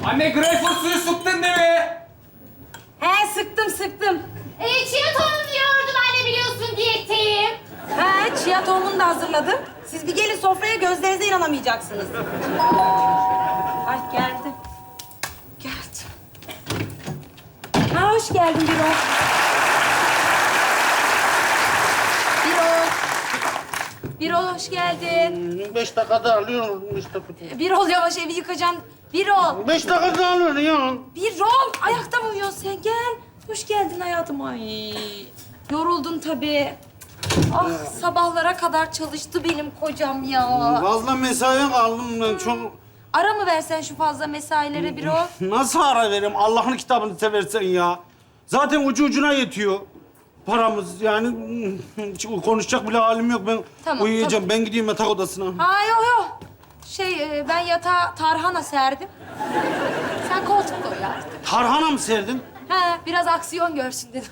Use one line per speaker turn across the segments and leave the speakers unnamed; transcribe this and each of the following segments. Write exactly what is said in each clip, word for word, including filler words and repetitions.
Anne greyfurt suyu sıktın değil mi?
He sıktım sıktım.
Ee, chia tohum diyordum anne biliyorsun diyetteyim.
He chia tohumunu da hazırladım. Siz bir gelin sofraya, gözlerinize inanamayacaksınız. Ay geldi. Geldi. Ha hoş geldin Birol. Birol. Birol hoş geldin.
Beş dakikada alıyorum işte.
Birol yavaş evi yıkacaksın. Birol.
Beş dakikada alıyorum ya.
Birol ayakta mı uyuyorsun sen? Gel. Hoş geldin hayatım. Ay. Yoruldun tabii. Ah sabahlara kadar çalıştı benim kocam ya.
Fazla mesaiye kaldım ben çok.
Ara mı versen şu fazla mesailere Birol?
Nasıl ara vereyim? Allah'ın kitabını seversen ya. Zaten ucu ucuna yetiyor. Paramız yani hiç konuşacak bile halim yok. Ben
Tamam,
uyuyacağım. Ben gideyim yatak odasına.
Ha yok yok. Şey e, ben yatağa tarhana serdim. Sen koltukta uyu artık.
Tarhana mı serdin?
He biraz aksiyon görsün dedim.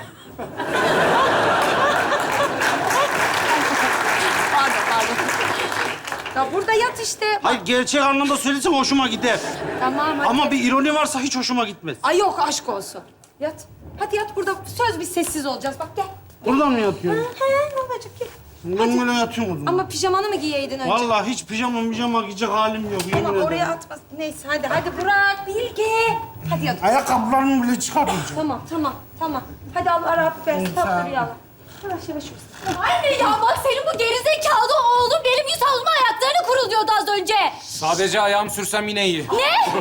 Pardon pardon. Ya burada yat işte.
Hayır gerçek anlamda söylesem hoşuma gider.
Tamam hadi.
Ama bir ironi varsa hiç hoşuma gitmez.
Ay yok aşk olsun. Yat. Hadi yat burada. Söz biz sessiz olacağız. Bak gel.
Buradan mı
He
yatıyorsun?
he ne olacak gel.
Ben böyle yatıyorum o zaman.
Ama pijamanı mı giyeydin önce?
Vallahi hiç pijama pijama giyecek halim yok. Yemin
Ama
ederim.
oraya atma. Neyse hadi hadi bırak Bilge. Hadi yat.
Ayakkabılarımı bile çıkarmayacağım.
Tamam tamam tamam. Hadi Allah rahatlık versin. Tatlı rüyalar. Yavaş yavaş olsun.
Anne ya bak senin bu gerizekalı oğlum benim yüz havluma ayaklarını kuruluyordu az önce.
Sadece ayağım sürsem yine iyi.
Ne?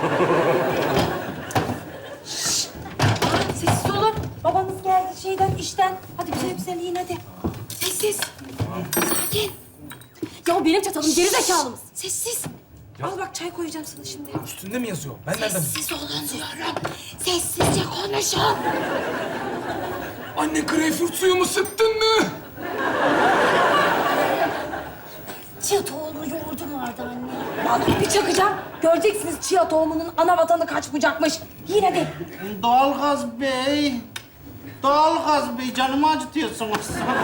Sessiz olun. Babanız geldi şeyden, işten. Hadi güzel güzel yiyin hadi. Sessiz. Sakin.
Ya benim çatalım gerizekalı mısın?
Sessiz. Al bak çay koyacağım sana şimdi.
Üstünde mi yazıyor? Ben nereden?
Sessiz olun diyorum. Sessizce konuşun.
Anne greyfurt suyu mu sıktın mı?
Chia tohumlu yoğurdum vardı anne.
Vallahi bir çakacağım. Göreceksiniz chia tohumunun ana vatanı kaç bucakmış. Yiyin hadi.
Doğalgaz Bey. Doğalgaz Bey canımı acıtıyorsunuz.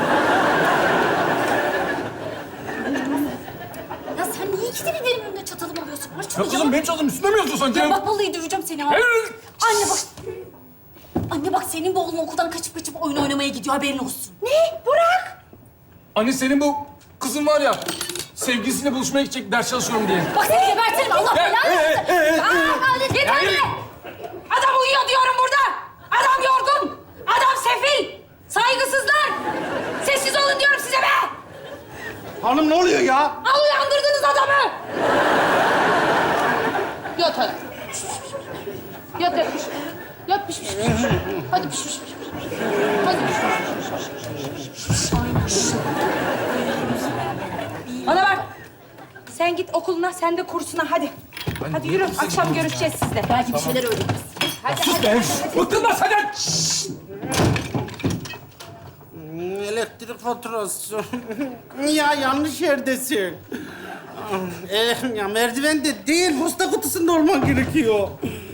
Ya sen niye ikide bir benim önümde çatalımı alıyorsun? Var şunu
Ya kızım benim çatalım üstünde mi yazıyor sanki?
Ya bak vallahi döveceğim seni ha.
Evet.
Anne bak. Anne bak senin bu oğlun okuldan kaçıp kaçıp oyun oynamaya gidiyor haberin olsun.
Ne? Burak.
Anne senin bu kızın var ya, sevgilisiyle buluşmaya gidecek ders çalışıyorum diye.
Bak seni gebertirim Allah
Ya,
belanı
e,
versin.
e, e,
Aa, yeter
Ya,
be.
yürü.
Adam uyuyor diyorum burada. Adam yorgun. Adam sefil. Saygısızlar. Sessiz olun diyorum size be.
Hanım ne oluyor ya?
Al uyandırdınız adamı. Yat hadi. Yat yat. Yat piş piş piş. Hadi piş piş piş. Hadi piş piş. Bana bak. Sen git okuluna, sen de kursuna hadi. Hadi yürü, akşam görüşeceğiz sizle.
Belki bir şeyler öğreniriz.
Hadi,
Sus
hadi,
be!
hadi.
Bıktım ben senden!
Elektrik faturası. Ya yanlış yerdesin. Eh, ya merdiven de değil, posta kutusunda olman gerekiyor.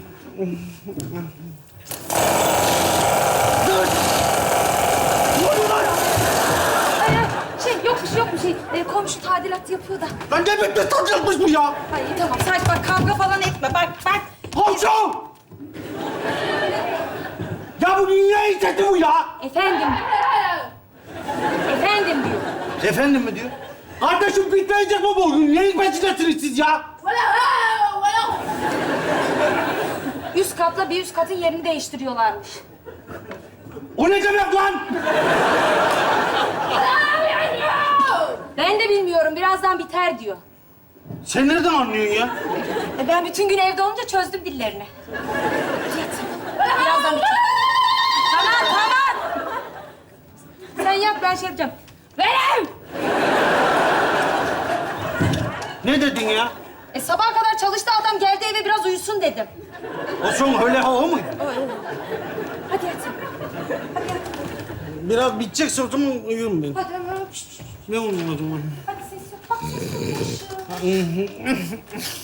Dur! Ne oluyor lan?
Ay, ay, şey yok bir şey yok bir şey. Ee, komşu tadilat yapıyor da.
Lan ne bekle tatacakmış bu ya?
Ay tamam sadece bak kavga falan etme bak bak.
Komşu! Ya bu dünya izzeti bu ya!
Efendim. Efendim diyor.
Efendim mi diyor? Kardeşim bitmeyecek mi bu oyun? Neyin peşindesiniz siz ya?
Üst katla bir üst katın yerini değiştiriyorlarmış.
O ne demek lan?
Ben de bilmiyorum birazdan biter diyor.
Sen nereden anlıyorsun ya?
E, ben bütün gün evde olunca çözdüm dillerini. Hadi yat sen. Birazdan biter. Tamam tamam. Sen yat ben şey yapacağım. Verim!
Ne dedin ya?
E sabaha kadar çalıştı adam geldi eve biraz uyusun dedim.
O son öyle o muydu?
Hadi yat sen. Hadi yat.
Biraz bitecekse o zaman uyurum ben.
Hadi hadi. Piş, piş, piş.
Ne oldu o zaman?
Hadi ses yok. Bak ses yok.